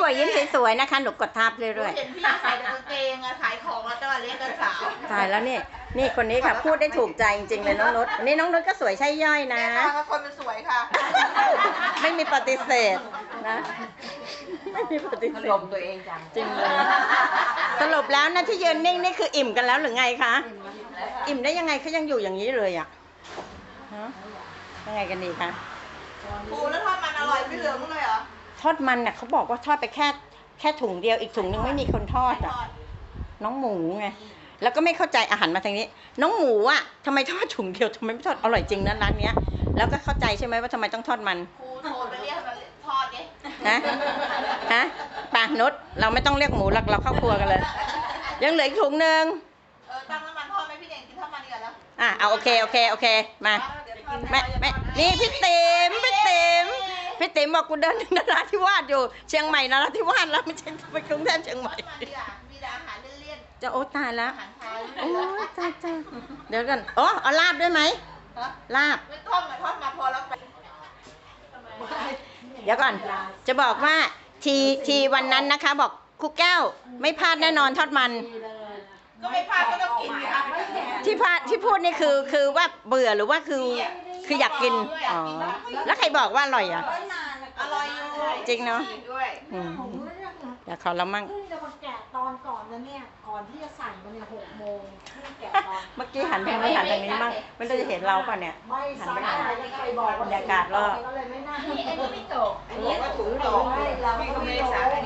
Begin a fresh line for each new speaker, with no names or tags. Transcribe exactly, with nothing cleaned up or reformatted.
วยยิ้มสวยๆนะคะหนูกดทับเรื่อย
เห็นพี่ใส่แต่กางเกงอะขายของแล้วจะมาเลี้ยงกันสาว
ๆตายแล้วนี่นี่คนนี้ค่ะพูดได้ถูกใจจริงๆเลยน้องนุชนี่น้องนุชก็สวยใช่ย่อยนะ
แม่ค้าก็คนมันสวยค่ะ
ไม่มีปฏิเสธนะไม่มีปฏิเสธ
ลมตัวเองจัง
จริงเลยสรุปแล้วนะที่ยืนนิ่งนี่คืออิ่มกันแล้วหรือไงคะอิ่มได้ยังไงเขายังอยู่อย่างนี้เลยอ่ะฮะยังไงกันดีคะ
ปูแล้วทอดมันอร่อยไม่เหลือมั้งเลยเหรอ
ทอดมันน่ะเขาบอกว่าทอดไปแค่แค่ถุงเดียวอีกถุงนึงไม่มีคนทอดอ่ะน้องหมูไงแล้วก็ไม่เข้าใจอาหารมาทางนี้ น้องหมูอ่ะทำไมทอดถุงเดียวทำไมไม่ทอดอร่อยจริงนะร้านเนี้ยแล้วก็เข้าใจใช่ไหมว่าทำไมต้องทอดมัน
ครูโทรไปเรียกมันทอดไง
ฮะฮะปากนุชเราไม่ต้องเรียกหมูหรอกเราเข้าครัวกันเลย ยังเหลืออีกถุงนึง
เออตั้งน้ำมันทอดไหมพี่เด่นกินทอดมันดีกว่าแล้ว
อ่ะเอาโอเคโอเคโอเคมา
เดี๋ยวทอด
ไม่ไม่นี่พี่ติ๋มพี่ติ๋มพี่ติ๋มบอกกูเดินถึงนราธิวาสอยู่เชียงใหม่นราธิวาสแล้วไม่ใช่ไปกรุงเทพเชียงใหม่
ทอดมันดีอ่ะมีแต่อาหารเลี่ยน
จะโอ้ตายแล้ว
ๆอาหารไทย
โอ้ตายจ้าเดี๋ยวกันอ๋อเอาลาบด้วยไหม
ฮะ
ลาบ
ไม่ทอดมาทอดมาพอแล้วไป
เดี๋ยวก่อน จะบอกว่าทีทีวันนั้นนะคะบอกครูแก้วไม่พลาดแน่นอนทอดมัน
ก็ไม่พลาดก็ต้องกินค่ะ
ที่พลาดที่พูดนี่คือคือว่าเบื่อหรือว่าคือคืออยากกินอ๋อแล้วใครบอกว่าอร่อยอ่ะ
อร่อยอยู่
จริงเนอะ
ด้วย
อืมเดี๋ยวเขาเรามั่ง
เพิ่งจะมาแกะตอนก่อนนะเนี่ย ก่อนที่จะสั่งมาเนี่ยหกโมงเพิ่งแกะตอน
เมื่อกี้หันไปไม่หันทางนี้มั่งไม่รู้จะเห็นเราป่ะเนี่ย
ไม่สั่งอะไรแล้วใครบอก
บรรยากาศรอบ
ก็เลยไม่น่า
อันนี้ไม่ตก
อันนี้ว่าถุงโต
ไม่เราก็ไม่รู้